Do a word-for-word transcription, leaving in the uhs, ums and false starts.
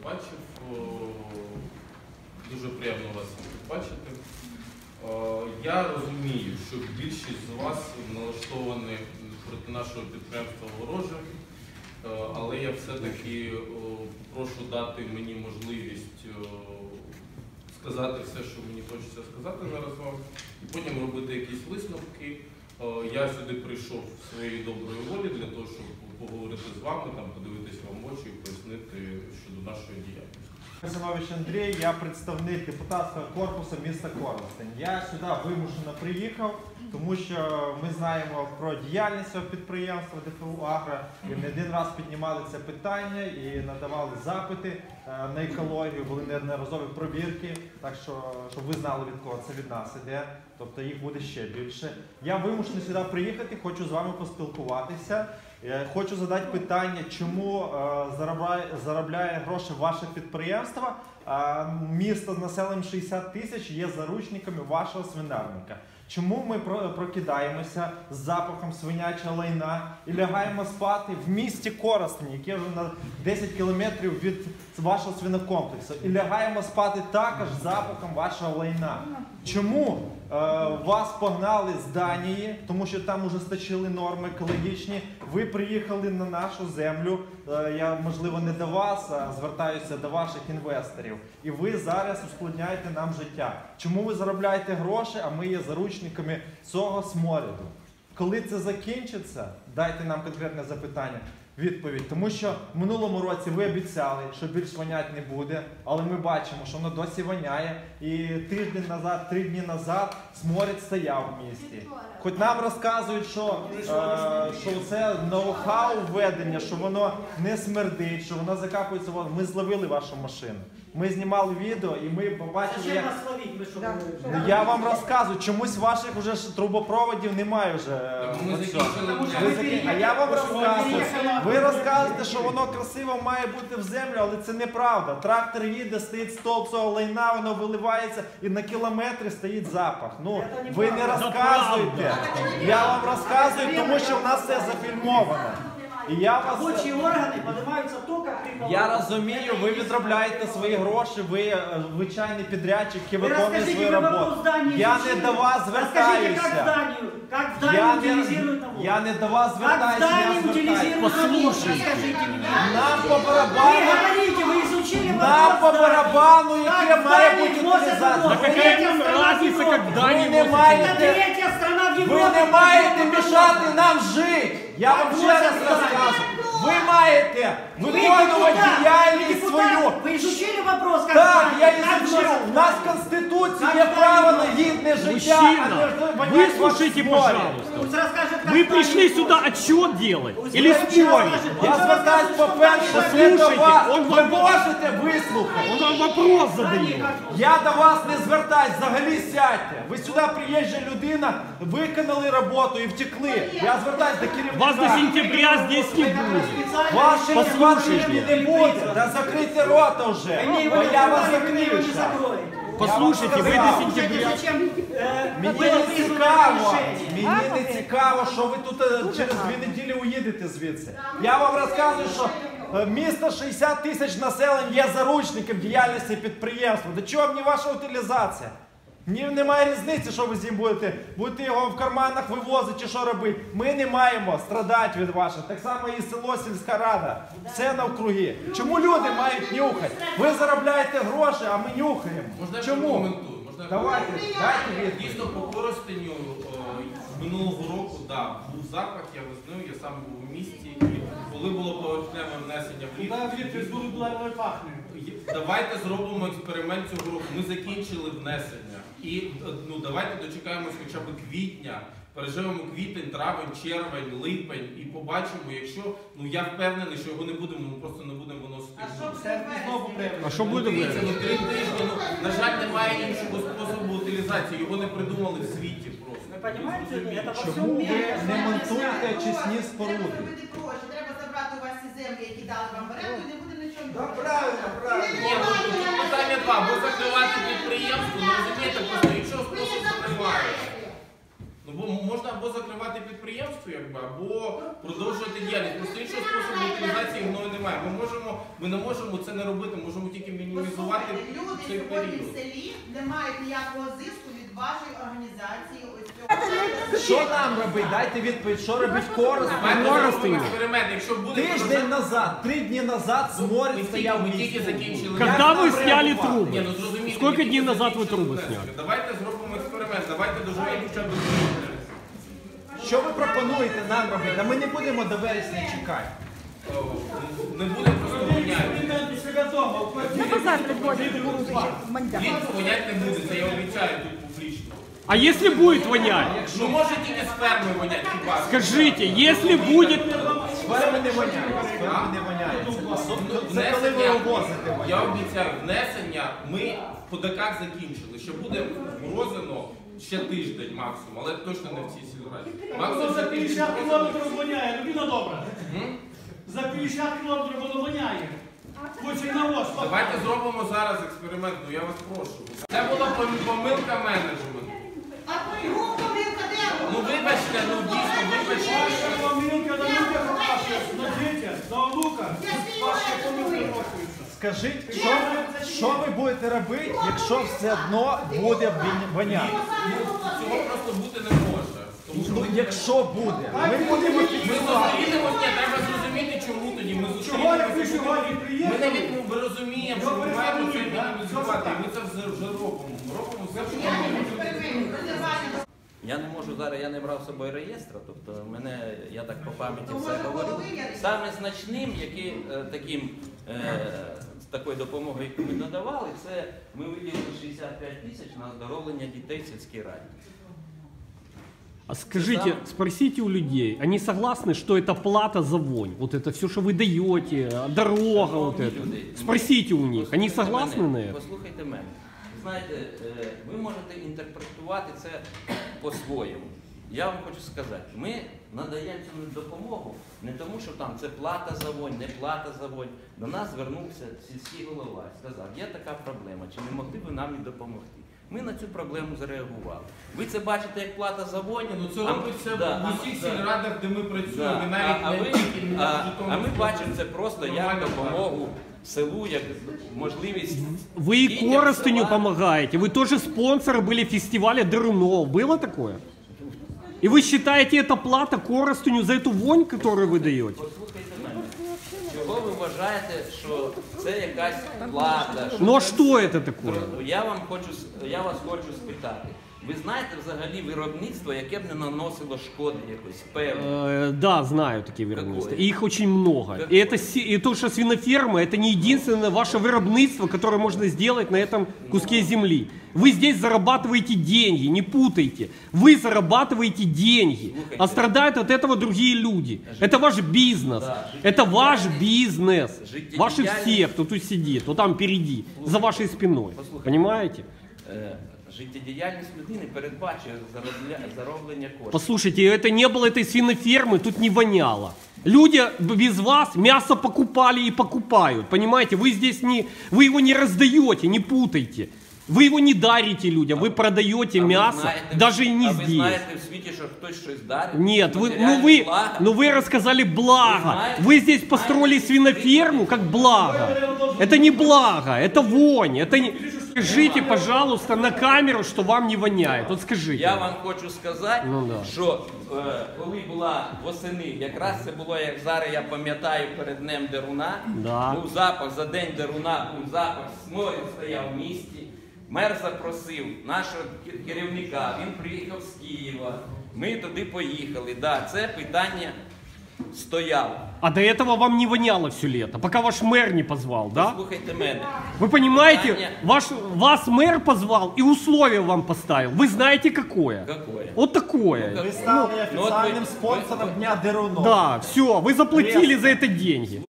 бачив. Дуже приємно вас бачити. Я розумію, що більшість з вас налаштовані проти нашого підприємства вороже, але я все-таки прошу дати мені можливість сказати все, що мені хочеться сказати зараз вам, і потім робити якісь висновки. Я сюди прийшов своєї доброї волі для того, щоб поговорити з вами, там, подивитися вам в очі і пояснити щодо нашої діяльності. Зинович Андрій, я представник депутатського корпусу міста Коростень. Я сюди вимушено приїхав, тому що ми знаємо про діяльність цього підприємства ДФУ «Агро», і не один раз піднімали це питання і надавали запити на екологію, були неодноразові провірки, так що, щоб ви знали, від кого це від нас іде, тобто їх буде ще більше. Я вимушений сюди приїхати, хочу з вами поспілкуватися. Хочу задати питання, чому заробляє, заробляє гроші ваше підприємство, а місто з населенням шістдесят тисяч є заручниками вашого свинарника. Чому ми прокидаємося з запахом свинячого лайна і лягаємо спати в місті Коростень, яке вже на десять кілометрів від вашого свинокомплексу, і лягаємо спати також з запахом вашого лайна? Чому е, вас погнали з Данії, тому що там ужесточили норми екологічні, ви приїхали на нашу землю, е, я, можливо, не до вас, а звертаюся до ваших інвесторів, і ви зараз ускладняєте нам життя. Чому ви заробляєте гроші, а ми є заручниками цього сморіду? Коли це закінчиться, дайте нам конкретне запитання. Відповідь. Тому що в минулому році ви обіцяли, що більш вонять не буде, але ми бачимо, що воно досі воняє. І тиждень назад, три дні назад сморід стояв в місті. Хоч нам розказують, що, е, що це ноу-хау введення, що воно не смердить, що воно закапується. Ми зловили вашу машину. Ми знімали відео і ми побачили, як... Я вам розказую, чомусь ваших вже трубопроводів немає вже. А я вам розказую. Ви розказуєте, що воно красиво має бути в землю, але це неправда. Трактор їде, стоїть стовп цього лайна, воно виливається і на кілометри стоїть запах. Ну, ви не розказуєте. Я вам розказую, тому що в нас все зафільмовано. І я вас... Робочі органи піднімаються тільки при... Я розумію, ви відробляєте свої гроші, ви звичайний підрядчик, який виконує свою роботу. Я не до вас звертаюся. Я не, я не до вас звертаюся, я звертаюся. Послухайте, нам по барабану, нам по барабану, яке має бути утилізація. Ви не маєте, ви не маєте мішати нам жити. Я вам ще раз розкажу. Ви маєте виконувати діяльність свою. Ви изучили вопрос? Так, я изучил. У нас в Конституции є право на гідне життя. Мужчина, выслушайте, пожалуйста. Вы пришли сюда отчет делать или спорить? Я звертаюсь по-перше, не до вас. Ви можете вислухати? Он вам вопрос задает. Я до вас не звертаюсь, взагалі сядьте. Ви сюди приїжджа людина, виконали роботу і втекли. Я звертаюсь до керівника. Вас до сентября здесь не будет. Ваші послушайте, не буде. Да закрийте рота вже. Бо я вас закрию. Послушайте, вы до сентября... Мені не цікаво, мені не цікаво, що ви тут через дві неділі уїдете звідси. Я вам розказую, що місто шістдесят тисяч населення є заручником діяльності підприємства. До чого мені ваша утилізація? Мені немає різниці, що ви з ним будете. Будете його в карманах вивозити чи що робити. Ми не маємо страдати від вашого. Так само і село, сільська рада. Все навкруги. Чому люди мають нюхати? Ви заробляєте гроші, а ми нюхаємо. Можна чому? Давайте, дайте відповідь. Дійсно, по Коростеню минулого року, да, був запах, я визнаю, я сам був у місті, і коли було поверхневе внесення в ліфт, давайте зробимо експеримент цього року. Ми закінчили внесення. І ну, давайте дочекаємось хоча б квітня, переживемо квітень, травень, червень, липень і побачимо, якщо, ну я впевнений, що його не будемо, ми просто не будемо виносити. А що буде? Дивіться, ну три тижні, ну, на жаль, немає іншого способу утилізації, його не придумали в світі просто. Чому ви не монтуєте очисні споруди? Треба забрати у вас ці землі, які дали вам в оренду, і не буде нічого. Так, правильно, правильно. Ні, ну тут питання два, або закривати підприємство, ну розумієте, просто іншого способу немає. Ну, бо можна або закривати підприємство, якби, або продовжувати діяльність. Просто іншого способу утилізації воно немає. немає. Ми можемо, ми не можемо це не робити, можемо тільки мінімізувати Послухайте, люди цей сьогодні в період. селі не мають ніякого зиску від вашої організації. Ось цього. Що нам робити? Дайте відповідь, що робить Коростень? Давайте Коростень. зробимо експеримент, якщо буде Тиждень назад, три дні назад Ми Сморід тільки, стояв в ми місті. тільки закінчили. Когда Як вы нам сняли реагувати? трубы? Ні, ну зрозумійте, Сколько ми дней тільки назад вы закінчили трубы внесення. сняли? Давайте зробимо експеримент, давайте доживемо хоча б до Що ви пропонуєте нам робити? А ми не будемо до вересня чекати. О, не буде просто воняти. Влітку вонять не буде, це я обіцяю тут публічно. А если будет вонять? Ну може тільки з ферми вонять хіба? Скажите, если будет... Сферами не воняє, сферами не воняє. Це- Це коли ви овозите Я воняє. обіцяю, внесення ми по ДК закінчили, що буде морозино ще тиждень максимум, але точно не в цій сільраді. Максимум За ще тиждень п'ятдесят морозино. кілометрів воняє, людина добра. М? За п'ятдесят кілометрів воно воняє. Хоче на вас. Давайте зробимо зараз експеримент, ну я вас прошу. Це була пом- помилка менеджменту. А його помилка де була? Ну вибачте, ну дійсно, вибачте. Ваша помилка на людях ваша, на дітях, на онуках. Ваша помилка рахується. Скажіть, що, ви- що ви будете робити, якщо все одно буде він- воняти? Цього просто бути не може. Тому що Ну, ми, якщо буде, ми будемо ми фіксувати. зустрінемось, ні, треба зрозуміти, чому тоді. Ми Чого як ви зустрінемося. сьогодні Ми приїхали? навіть ну, ми розуміємо, що ми маємо це мінімізувати. І ми це вже, вже робимо. Ми робимо все, що ми можемо. Експеримент, розірвання. Я не можу зараз, я не брав з собою реєстра, тобто мене, я так по пам'яті То, все може, говорю. половина? Саме значним, який е, таким, е, з такою допомогою, яку ми надавали, це ми виділили шістдесят п'ять тисяч на оздоровлення дітей в сільській раді. А скажите, спросите у людей, они согласны, что это плата за вонь? Вот это все, что вы даете, дорога вот это. Люди, Спросите у них, они послухайте согласны мене, на это? Послухайте мене. Знаєте, е, ви можете інтерпретувати це по-своєму. Я вам хочу сказати, ми надаємо цю допомогу не тому, що там це плата за вонь, не плата за вонь. До нас звернувся сільський голова і сказав, є така проблема, чи не могли б ви нам і допомогти? Ми на цю проблему зареагували. Ви це бачите як плата за вонь? Ну це а- робиться да, в усіх да. сільрадах, де ми працюємо. Да. І навіть А, а, не ви, тільки не а, в Житомирській а ми області. бачимо це просто як Нормально допомогу селу, як можливість. Вы и дітям Коростеню села. помогаете, вы тоже спонсоры были фестиваля Дерунов. Было такое? И вы считаете это плата Коростеню за эту вонь, которую вы даете? Послухайте мене. Чого ви вважаєте, що це якась плата? Ну а це- что это такое? Я вам хочу, с- я вас хочу спитати. Ви знаєте взагалі виробництво, яке б не наносило шкоди якось певно? Э, да, знаю такие виробництва. Какое? И их очень много. Какое? И, это, си- и то, что свиноферма, это не единственное ваше виробництво, которое можно сделать на этом куске земли. Вы здесь зарабатываете деньги, не путайте. Вы зарабатываете деньги. Слушайте. А страдают от этого другие люди. Это ваш бизнес. Да, Это ваш бизнес. Жизнедеятельность. Ваши все, кто тут сидит, вот там впереди, за вашей спиной. Послушайте. Понимаете? Е, Життєдіяльність людини передбачує заробля- зароблення коштів. Послушайте, это не было этой свинофермы, тут не воняло. Люди без вас мясо покупали и покупают, понимаете? Вы здесь не, вы его не раздаете, не путайте. Вы его не дарите людям, вы продаете А ви мясо, знаєте, даже и не а ви здесь. знаєте в світі, що хтось щось дарить? Нет, вы, ну Матеріальні вы, блага? ну вы рассказали благо. знаете, Вы здесь построили знаете, свиноферму как благо. Это не благо, это вонь. Это не... Скажите, пожалуйста, на камеру, что вам не воняет. Вот скажите. Я вам хочу сказати, Ну, да. що е, коли була восени, якраз це було, як зараз я пам'ятаю, перед Днем Деруна, Да. був запах за День Деруна, був запах, сморід стояв в місті. Мер запросив нашого ке- керівника, він приїхав з Києва, ми туди поїхали. Да, це питання стояло. А до этого вам не воняло все лето, пока ваш мэр не позвал, да? Слухайте мене. Вы понимаете, Питание- ваш, вас мэр позвал и условие вам поставил. Вы знаете какое? Какое? Вот такое. Ну, Ви стали Ну, от ви- офіційним ви- спонсором ви- Дня Дерунов. Да, все, вы заплатили Пресно. за это деньги.